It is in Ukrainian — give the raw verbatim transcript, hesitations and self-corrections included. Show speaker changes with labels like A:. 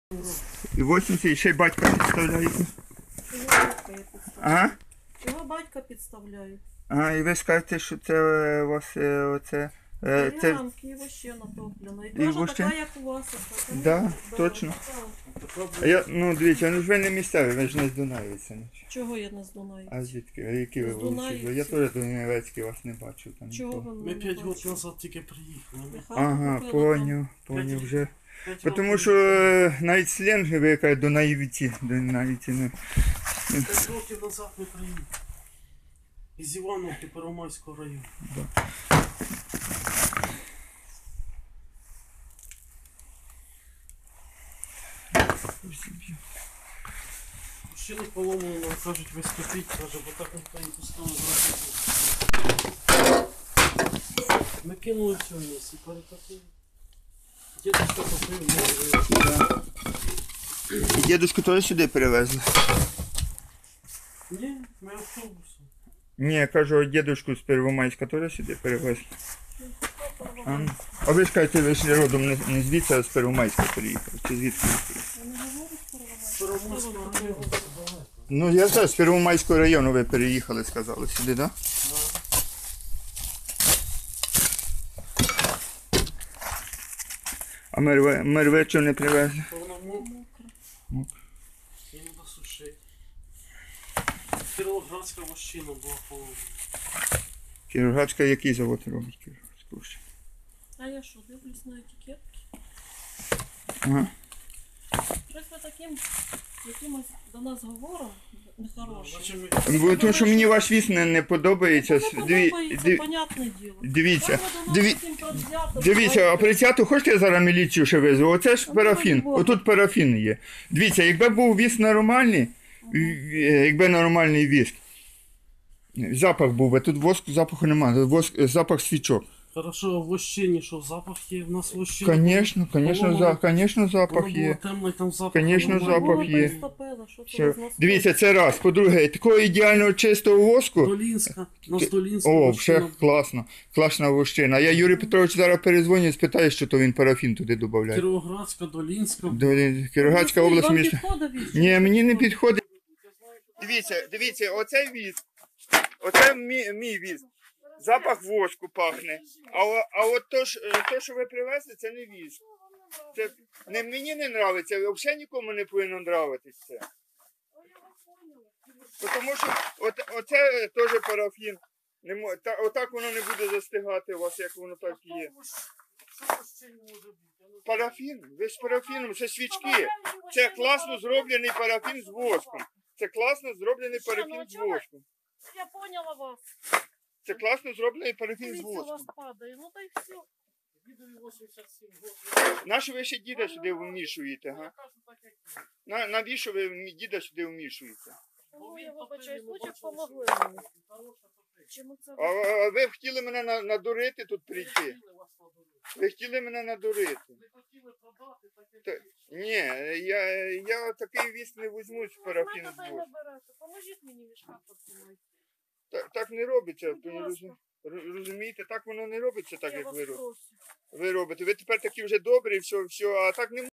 A: І вісімдесят, і ще й батька підставляєте.
B: Чого батька я підставляю?
A: Ага.
B: Чого батька підставляю?
A: Ага, і ви скажете, що це е, у вас е, оце... е, Це...
B: Рамки і вообще натоплено. І,
A: І
B: теж
A: вообще?
B: така, як у вас. Така,
A: Да, точно.
B: так.
A: А я, ну дивіться, ну ж ви не місцеві, ви ж не з Дунаєвиця.
B: Чого я не з Дунаю?
A: А звідки? А які ви
B: З
A: вулиці?
B: Дунаївців.
A: Я теж Дунаєвецький вас не бачив там.
B: Чого
A: ніколи.
B: ви
C: Ми
B: мене
C: п'ять
B: не
C: років
B: бачите?
C: назад тільки приїхали. Ми
B: Хату
A: Ага,
B: купила там.
A: поняв, поняв вже.
C: п'ять
A: Тому
C: років-
A: що е, навіть сленг ви кажете Дунаєвці, Дунаєвці, ну.
C: П'ять років назад ми приїхали. Із Івановки Первомайського району. Ще не поломано, нам кажуть, ви скопіть, каже, бо так ніхто не пускав зразу. Ми кинули все в місці, перетопили. Дідусь топив,
A: І дідушку теж сюди перевезли?
C: ні, ми автобусом.
A: Ні, я кажу, дідушку з Первомайська теж сюди перевезли. А, ну. А ви ж кажете, ви ж родом не, не звідси, а з Первомайська приїхали. Чи звідки?
B: Я не говорю з Первомайська.
C: Первомайського району.
A: Ну я знаю, з Первомайського району ви переїхали, сказали сюди, так? Да? А мерве, мерве чого не привезли?
C: Вона мокра.
A: Мокра.
C: Її треба сушити. Кіровоградська вощина була поломана.
A: Кіровоградська який завод робить? Кіровоградську ще.
B: А я що, дивлюсь на етикетки?
A: Ага.
B: Щось ви таким якимось до нас говором нехорошим.
C: Значить, ми-
A: Бо тому що мені ваш віз не, не подобається.
B: Не
A: Диві,
B: подобається,
A: диві,
B: понятне діло.
A: дивіться,
B: Як ви до нас
A: диві,
B: таким предвзято
A: дивіться, а прицяту хочете я зараз міліцію ще везу? Оце ж
B: Ну,
A: парафін,
B: Бога.
A: отут парафін є. Дивіться, якби був віз нормальний, е, якби нормальний віз, запах був би, тут воску запаху немає, воск, запах свічок.
C: Хорошо, а в вощині, що запах є? В нас вощина.
A: Конечно, конечно, за, конечно, запах
C: Воно було
A: є.
C: темно і там запах.
A: Конечно,
C: було.
A: запах
B: Голову
A: є.
B: приступила, що це
A: Все.
B: з нас
A: Дивіться, це раз. По-друге, такого ідеального чистого воску.
C: Долінська, у нас Долінська
A: О,
C: вощина.
A: вже класно. Класна вощина. Я Юрій Петрович зараз перезвоню і спитаю, що то він парафін туди додає.
C: Кіровоградська, Долінська.
A: Кіровоградська
B: Ну,
A: область
B: вам
A: міста.
B: підходить віз?
A: Ні, мені не підходить. Дивіться, дивіться, оцей віз. Оце мій, мій віз. Запах воску пахне. А, о- а от то, ж, е, то, що ви привезли, це не віз. Це не, мені не подобається, взагалі нікому не повинно подобатися це. Тому що от, оце теж парафін. Не, мо- та, отак воно не буде застигати у вас, як воно так і є.
C: Що вощині може бути? Я не знаю.
A: Парафін, ви з парафіном, це свічки. Це класно зроблений парафін з воском. Це класно зроблений парафін з воском.
B: Я поняла вас.
A: Це класно зроблений парафін з
B: Дивіться, у вас
A: воском.
B: падає. Ну та й все.
C: Дідові вісімдесят сім років.
A: Нащо ви ще діда сюди вмішуєте, га?
C: Я кажу так, як є.
A: На, навіщо ви м- діда сюди вмішуєте?
B: Ну,
C: Він
B: я
C: топив,
B: вибачаюсь,
C: ми
B: лучше
C: бачили,
B: помогли
C: що
B: мені.
C: хороша топить.
B: Чому це
A: А,
B: ви?
A: а ви хотіли мене на- надурити тут прийти?
C: Хотіли вас надурити.
A: Ви хотіли мене надурити?
C: Не хотіли продати, так як
A: Та-
C: є.
A: Ні, я, я такий віз не візьму з парафін
B: Ну,
A: з
B: мене
A: воском.
B: берете. Поможіть мені мішка потримати.
A: Так, так не робиться,
B: Будь
A: ви
B: ласка.
A: розум- розумієте, так воно не робиться так,
B: Я
A: як
B: вас
A: ви робите.
B: прошу.
A: Ви робите. Ви тепер такі вже добрі, все, все, а так не